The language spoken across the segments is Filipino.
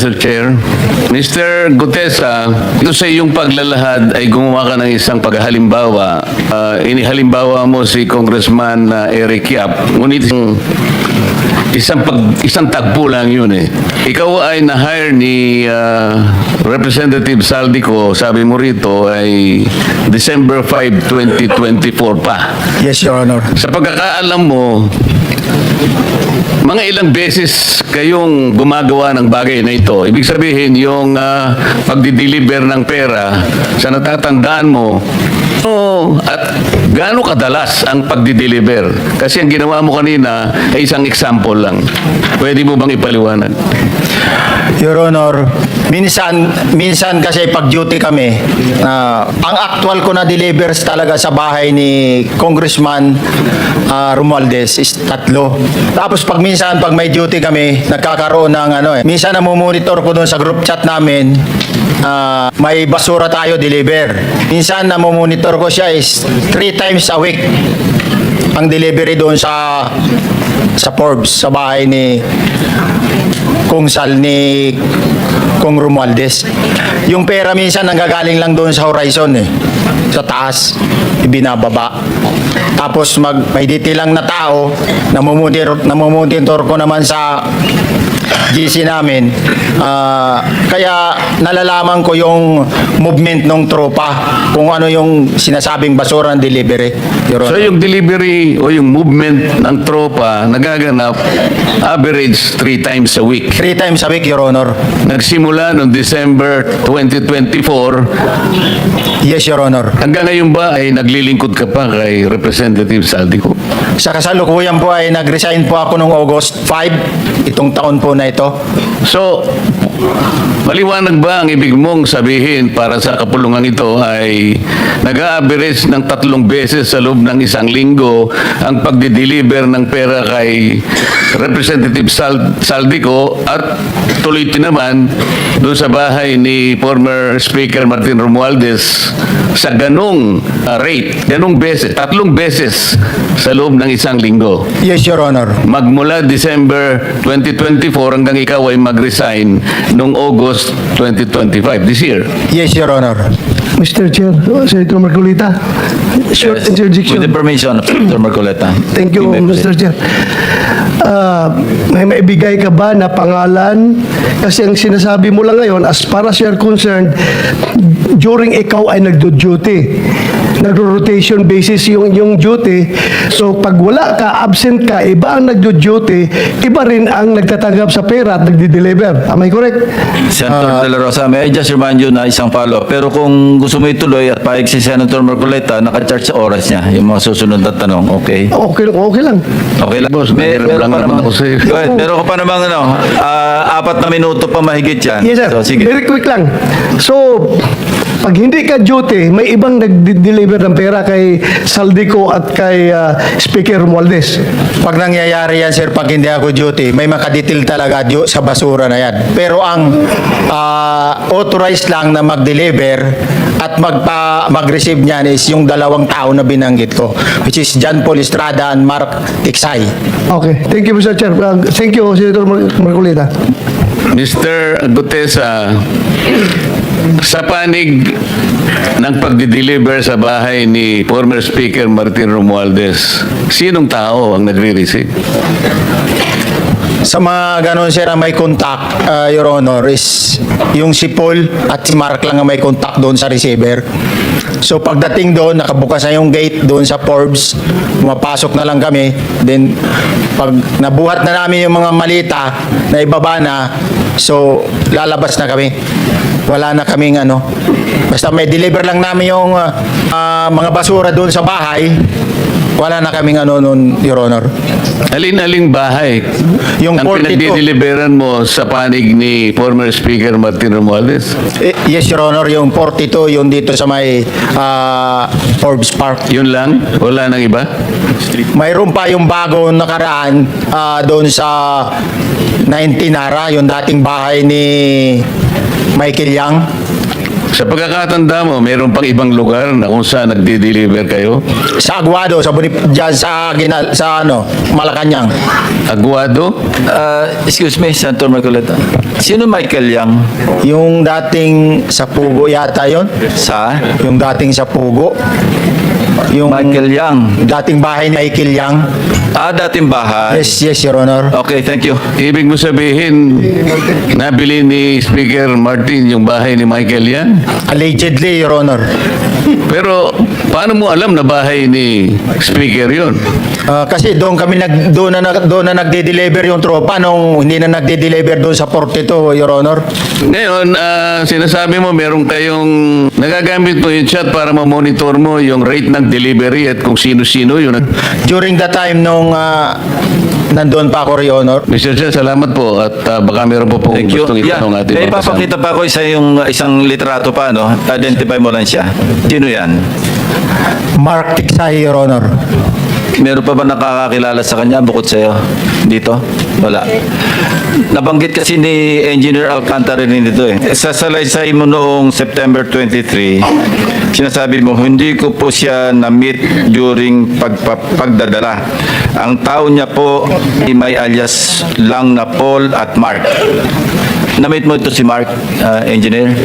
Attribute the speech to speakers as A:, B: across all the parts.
A: Mr. Chair. Mr. Gutesa, ito sa iyong paglalahad ay gumawa ka ng isang paghalimbawa. Inihalimbawa mo si Congressman Eric Yap. Ngunit isang tagpo lang yun eh. Ikaw ay na-hire ni Representative Saldico, sabi mo rito, ay December 5, 2024 pa.
B: Yes, Your Honor.
A: Sa pagkakaalam mo, mga ilang beses kayong gumagawa ng bagay na ito. Ibig sabihin, yung pagdi-deliver ng pera, sa natatandaan mo, at gaano kadalas ang pagdi-deliver? Kasi ang ginawa mo kanina ay isang example lang. Pwede mo bang ipaliwanag?
B: Your Honor, minsan kasi pag duty kami, ang actual ko na delivers talaga sa bahay ni Congressman Romualdez is 3. Tapos pag may duty kami, nagkakaroon ng minsan namumonitor ko doon sa group chat namin, may basura tayo deliver. Minsan namumonitor ko siya is 3 times a week ang delivery doon sa Forbes, sa bahay ni Kung Sal, ni Kung Romualdez. Yung pera minsan nanggagaling lang doon sa horizon sa taas, ibinababa. Tapos may detail lang na tao, namumonitor ko naman sa GC namin. Kaya nalalaman ko yung movement ng tropa, kung ano yung sinasabing basura ng delivery.
A: So yung delivery o yung movement ng tropa nagaganap average 3 times a week.
B: 3 times a week, Your Honor.
A: Nagsimula noong December 2024.
B: Yes, Your Honor.
A: Hanggang ngayon ba ay naglilingkod ka pa kay Representative Saldico?
B: Sa kasalukuyan po ay nag-resign po ako noong August 5, itong taon po na ito.
A: So, maliwanag ba ang ibig mong sabihin para sa kapulungan ito ay nag-a-average ng 3 beses sa loob ng isang linggo ang pagdi-deliver ng pera kay Representative Saldico at tuloy naman doon sa bahay ni former Speaker Martin Romualdez sa ganong rate, ganong beses, 3 beses sa loob ng isang linggo.
B: Yes, Your Honor.
A: Magmula December 2024 hanggang ikaw ay mag-resign noong August 2025, this year.
B: Yes, Your Honor.
C: Mr. Chair, Senator Marcolita, short interjection.
D: With the permission of Senator Marcoleta.
C: Thank you, Mr. Chair. May maibigay ka ba na pangalan? Kasi ang sinasabi mo lang ngayon, as far as you're concerned, during ikaw ay nagdo-duty, nagro-rotation basis yung duty. So pag wala ka, absent ka, iba ang nagdo-duty, iba rin ang nagtatanggap sa pera at nagdi-deliver. Am I correct?
D: Senator De La Rosa, may I just remind you na isang follow. Pero kung gusto mo ituloy at paig si Senator Marcoleta, naka-charge sa oras niya, yung mga susunod na tanong, okay?
C: Okay lang.
D: Okay lang.
A: Boss, mahirap lang naman ako sa'yo.
D: Go ahead. Meron ka pa namang 4 na minuto pa mahigit yan.
C: Yes, sir.
D: So, sige.
C: Very quick lang. So, pag hindi ka duty, may ibang nag-deliver ng pera kay Saldico at kay Speaker Romualdez.
B: Pag nangyayari yan, sir, pag hindi ako duty, may makadetail talaga sa basura na yan. Pero ang authorized lang na mag-deliver at mag-receive niyan is yung 2 tao na binanggit ko, which is John Paul Estrada and Mark Tiksay.
C: Okay. Thank you, Mr. Chair. Thank you, Senator Marcolita.
A: Mr. Gutesa, sa panig ng pagdi-deliver sa bahay ni former Speaker Martin Romualdez, sinong tao ang nagre-receive?
B: Sa mga ganon, sir, ang may contact, Your Honor, is yung si Paul at si Mark lang ang may contact doon sa receiver. So pagdating doon, nakabukas na yung gate doon sa Forbes, pumapasok na lang kami. Then pag nabuhat na namin yung mga malita na ibaba na, so lalabas na kami. Wala na kaming basta may deliver lang namin yung mga basura doon sa bahay. Wala na kaming noon, Your Honor.
A: Alin-aling bahay
B: Yung
A: ang
B: 42.
A: pinagdi-deliveran mo sa panig ni former Speaker Martin Romualdez?
B: Yes, Your Honor, yung 42, yung dito sa may Forbes Park.
A: Yun lang? Wala nang iba?
B: Mayroon pa yung bago nakaraan doon sa 19 Nara, yung dating bahay ni Michael Yang.
A: Sa pagkakatanda mo, mayroon pang ibang lugar na kung saan nagdi-deliver kayo?
B: Sa Aguado, dyan sa Malacanang.
A: Aguado?
D: Excuse me, Senator Marcoleta. Sino Michael Yang?
B: Yung dating sa Pugo yata yon.
D: Sa?
B: Yung dating sa Pugo. Yung
D: Michael Yang.
B: dating bahay ni Michael Yang.
D: Dating bahay.
B: Yes, Your Honor.
D: Okay, thank you.
A: Ibig mo sabihin, nabili ni Speaker Martin yung bahay ni Michael yan?
B: Allegedly, Your Honor.
A: Pero paano mo alam na bahay ni Speaker yun?
B: Kasi doon na nagde-deliver yung tropa nung hindi na nagde-deliver doon sa 42, Your Honor.
A: Ngayon, sinasabi mo meron kayong nagagamit mo yung chat para ma-monitor mo yung rate ng delivery at kung sino-sino yun.
B: During the time nung nandoon pa ako, Your Honor.
A: Mr. Chair, salamat po at baka meron po pong
D: Thank you.
A: gustong itanong ating mga kasama.
D: Ipapakita pa ako isang literato pa, no? Identify mo lang siya. Sino yan?
B: Mark Tiksay, Your Honor.
D: Meron pa ba nakakakilala sa kanya bukod sa'yo? Dito? Wala. Nabanggit kasi ni Engineer Alcantara rin dito eh. Sa salaysay mo noong September 23, sinasabi mo, hindi ko po siya na-meet during pagdadala. Ang tao niya po may alias lang na Paul at Mark. Na-meet mo ito si Mark, Engineer?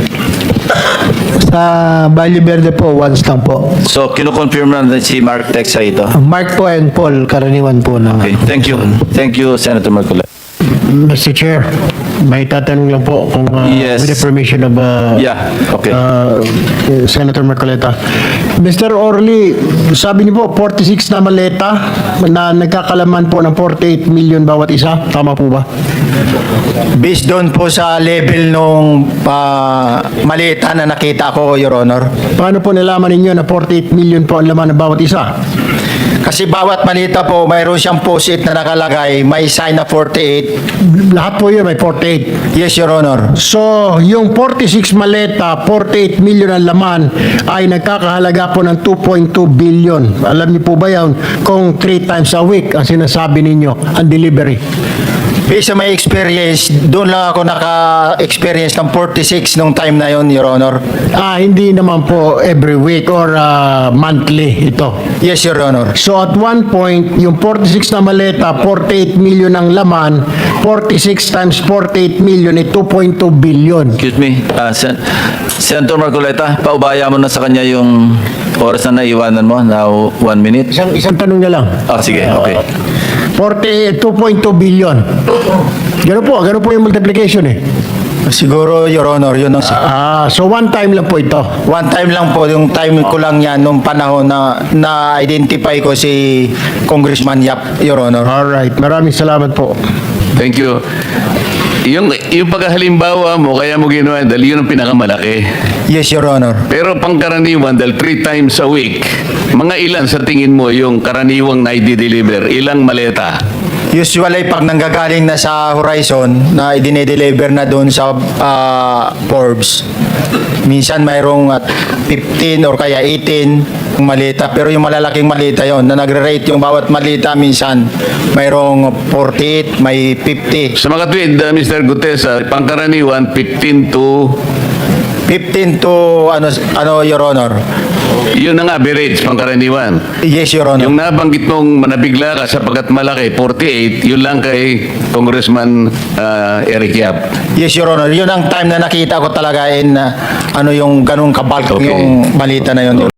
C: Sa Valle Verde po, once lang po.
D: So, kinukonfirm na si Mark Texa ito.
C: Mark po and Paul, karaniwan po ng...
D: Okay, thank you. Thank you, Senator Marcoleta.
E: Mr. Chair, may tatanong lang po kung
D: Yes.
E: with the permission of
D: Yeah, okay.
E: Senator Marcoleta. Mr. Orly, sabi niyo po 46 na maleta na nagkakalaman po ng 48 million bawat isa. Tama po ba?
B: Based doon po sa level nung malita na nakita ko, Your Honor.
E: Paano po nalaman ninyo na 48 million po ang laman ng bawat isa?
B: Kasi bawat malita po, mayroon siyang post-it na nakalagay, may sign na 48.
E: Lahat po yun may 48.
B: Yes, Your Honor.
E: So, yung 46 maleta, 48 million ang laman ay nagkakahalaga po ng 2.2 billion. Alam niyo po ba yan kung 3 times a week ang sinasabi ninyo ang delivery?
B: Based sa my experience, doon lang ako naka-experience ng 46 nung time na yon, Your Honor.
E: Hindi naman po every week or monthly ito.
B: Yes, Your Honor.
E: So at one point, yung 46 na maleta, 48 million ang laman, 46 times 48 million ay 2.2 billion.
D: Excuse me, Senator Marcoleta, paubaya mo na sa kanya yung oras na naiwanan mo, now 1 minute.
E: Isang tanong na lang.
D: Sige, okay.
E: 2.2 billion. Ganun po yung multiplication eh.
B: Siguro, Your Honor, yun ang...
E: So one time lang po ito.
B: One time lang po, yung time ko lang yan, nung panahon na na-identify ko si Congressman Yap, Your Honor.
E: Alright, maraming salamat po.
A: Thank you. Yung paghalimbawa mo, kaya mo ginawa, dahil yun ang pinakamalaki.
B: Yes, Your Honor.
A: Pero pangkaraniwan, dahil 3 times a week, mga ilan sa tingin mo yung karaniwang na i-deliver? Ilang maleta?
B: Usually, pag nanggagaling na sa Horizon, na idinedeliver na doon sa Forbes, minsan mayroong 15 or kaya 18 malita. Pero yung malalaking malita yon na nagre-rate yung bawat malita, minsan mayroong 48, may 50.
A: Sa mga tweet, Mr. Gutes, pangkaraniwan, 15 to, Your Honor. yun ang average, pangkaraniwan.
B: Yes, Your Honor.
A: Yung nabanggit mong nabigla ka sapagkat malaki, 48, yun lang kay Congressman Eric Yap.
B: Yes, Your Honor. Yun ang time na nakita ko talaga in yung ganung kabalk
A: Okay.
B: yung balita na yun.